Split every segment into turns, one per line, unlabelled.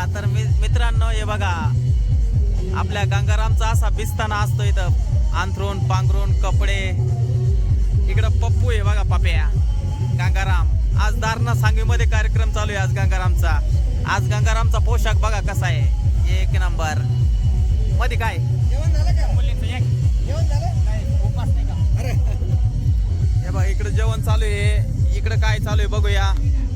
तर मित्रांनो हे बघा आपल्या गंगारामचा असा बिस्ताना असतो इथं अंथरून पांघरून कपडे. इकडं पप्पू आहे बघा पप्या गंगाराम. आज दारणा सांगवीमध्ये कार्यक्रम चालू आहे आज गंगारामचा. आज गंगारामचा पोशाख बघा कसा आहे एक नंबर. मध्ये काय हे बघा इकडे जेवण चालू आहे. इकडे काय चालू आहे बघूया.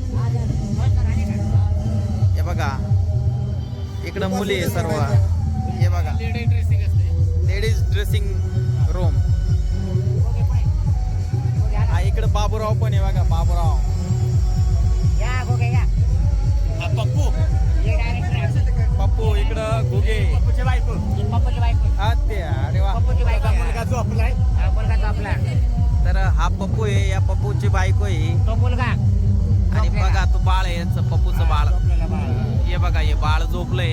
हे बघा इकडे मुली आहे सर्व. हे बघा लेडीज ड्रेसिंग रूम. हा इकडे बाबूराव पण आहे बघा बाबूराव. पप्पू इकडं घुगे हा ते अरे वा. तर हा पप्पू आहे या पप्पूची बायको आहे. आणि बघा तो बाळ आहे यांचं पप्पूचं बाळ. हे बघा हे बाळ झोपलंय.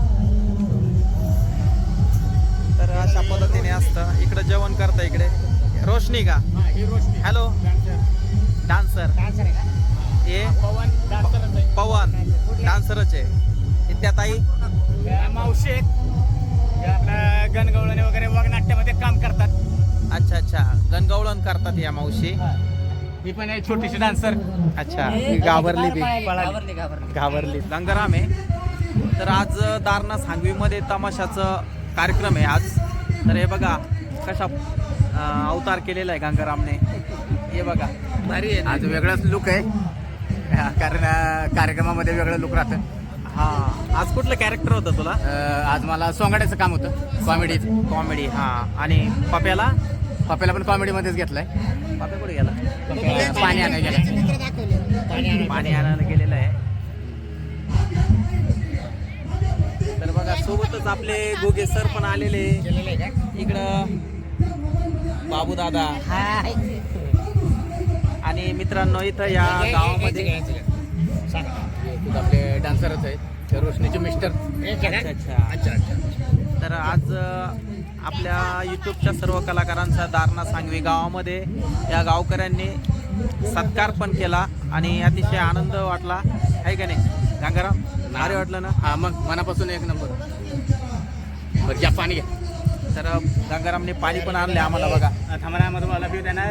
तर अशा पद्धतीने असतं. इकडे जेवण करता इकडे रोशनी का हॅलो डान्सर हे पवन डान्सरच आहे. त्या ताई
मावशी आपल्या गणगवळणी वगैरे वगनाट्यामध्ये काम करतात.
अच्छा अच्छा गणगवळण करतात या मावशी.
ही पण आहे छोटीशी डान्सर.
अच्छा घाबरली गंगाराम आहे. तर आज दारणा सांगवीमध्ये तमाशाचं कार्यक्रम आहे आज. तर हे बघा कशा अवतार केलेला आहे गंगारामने. हे बघा
भारी आहे. आज वेगळाच लुक आहे कारण कार्यक्रमामध्ये वेगळं लुक राहतं.
हा आज कुठलं कॅरेक्टर होतं तुला.
आज मला सोंगाड्याचं काम होतं
कॉमेडी. हा आणि पप्याला
पण कॉमेडीमध्येच घेतलंय.
पप्या कुठे गेला.
पाणी आणायला गेलं.
पाणी आणायला गेलेलं आहे. तर बघा सोबतच आपले गोगे सर पण आलेले इकडं बाबू दादा. आणि मित्रांनो इथं या गावामध्ये
आपले डान्सरच आहेत रोशनीचे मिस्टर.
अच्छा. तर आज आपल्या यूट्यूबच्या सर्व कलाकारांचा दारणा सांगवी गावामध्ये या गावकऱ्यांनी सत्कार पण केला आणि अतिशय आनंद वाटला आहे का नाही गंगाराम. भारी वाटलं ना.
हा मग मनापासून एक नंबर. बरं घ्या पाणी घ्या.
तर गंगारामने पाणी पण आणले आम्हाला बघा.
थांबण्यामध्ये मला पिऊ द्या ना.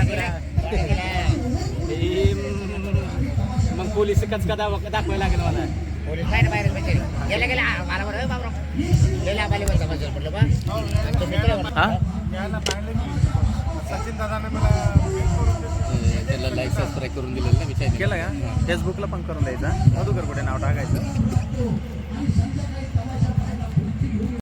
मग पोलीस कचका दाखवायला लागेल मला. त्याला लाईक सबस्क्राईब करून दिलेलं ना विचार
केलं का. फेसबुकला पण करून द्यायचा. मधुकर कुठे नाव टाकायचं.